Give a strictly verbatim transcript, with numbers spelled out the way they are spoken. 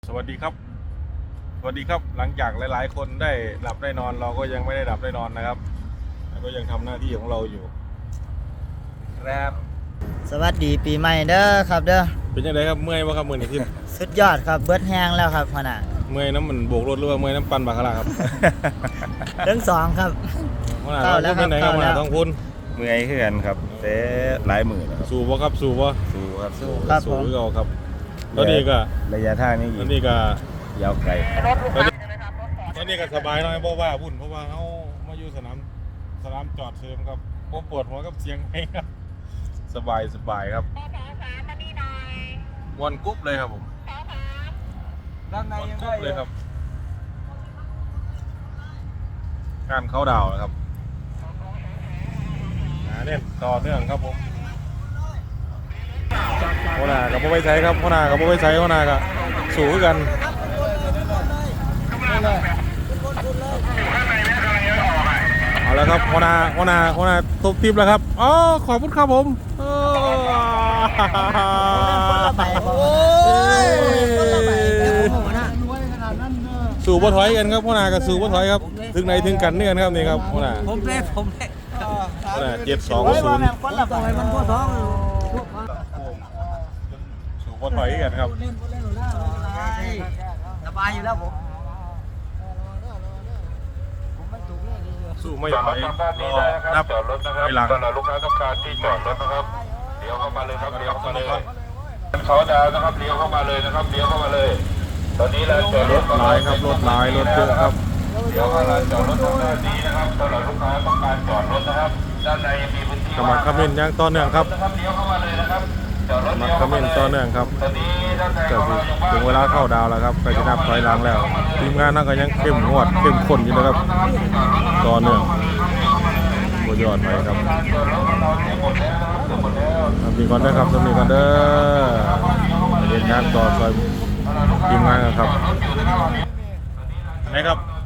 วัสดีครับสวัสดีครับหลังจากหลายๆคนได้หลับได้นอนเราก็ยังไม่ได้หลับได้นอนนะครับก็ยังทำหน้าที่ของเราอยู่ครับสวัสดีปีใหม่เด้อครับเด้อเป็นยังไงครับเมื่อยป่ะครับมื่อนี้ที่สุดยอดครับเบิดแห้งแล้วครับขนาดเมื่อยน้ำมันโบกรถหรือว่าเมื่อยน้ำปั่นบาคาร่าครับทั้งสองครับขนาดเราพูดเป็นไหนครับขนาดต้องพูดเมื่อยขึ้นครับแต่หลายหมื่นครับสู้ป่ะครับสู้ป่ะสู้ครับสู้ครับผมสู้เราครับตอนนี้ก็ระยะทางนี้ตอนนี้ก็ยาวไกลตอนนี้ตอนนี้ก็สบายหน่อยเพราะว่าพุ่นเพราะว่าเขามาอยู่สนามสนามจอดเชิมครับโอ้ปวดหัวกับเสียงเพลงครับสบายสบายครับวันกุ๊บเลยครับผมด้านในวันยังกุ๊ได้บเลยครับการเข้าดาวนะครับหนาเนี่ยต่อเนื่องครับผมหัวหน้ากับพ่อไว้ใช้ครับหัวหน้ากับพ่อไว้ใช้หัวหน้ากับสู้กันเอาแล้วครับหัวหน้าหัวหน้าหัวหน้าตบทิปแล้วครับอ๋อขอบคุณครับผมสู่บ่ถอยกันครับหัวหน้ากับสู่บ่ถอยครับถึงไหนถึงกันนี่กันครับนี่ครับหัวหน้าผมเล่ผมเล่หัวหน้าเจ็ดสองศูนย์คนละไปมันก็ท้องสู่บ่ถอยกันครับสบายอยู่แล้วผมสู้ไม่ถอยรอนับจอดรถนะครับไปหลังตอนลูกค้าต้องการที่จอดรถนะครับเลี้ยวเข้ามาเลยครับเลี้ยวเข้ามาเลยเขาดาวนะครับเลี้ยวเข้ามาเลยนะครับเลี้ยวเข้ามาเลย ตอนนี้เราจอดรถลายครับรถลายรถเยอะครับเลี้ยวเข้ามาจอดรถทางด้านนี้นะครับตอนลูกค้าต้องการจอดรถนะครับด้านในมีพื้นที่กำลังคอมเมนต์ยังต่อเนื่องครับนะครับเลี้ยวเข้ามาเลยนะครับจอดรถกำลัเลี้งยวคอเข้ามเมมานต์เลยต่อเนื่องครับตอนนี้ด้านในก็ของสิเราอยู่บ้านถึงเวลาเข้าดาวแล้วครับก็จะนับถอยหลังแล้วทีมงานนั่นก็ยังเข้มงวดเข้มข้นอยู่นะครับต่อเนื่องโคตรยอดไปครับทำดีก่อนนะครับทำดีก่อนเด้อเรียนงานต่อซอยทีมงานกันครับไหนครับ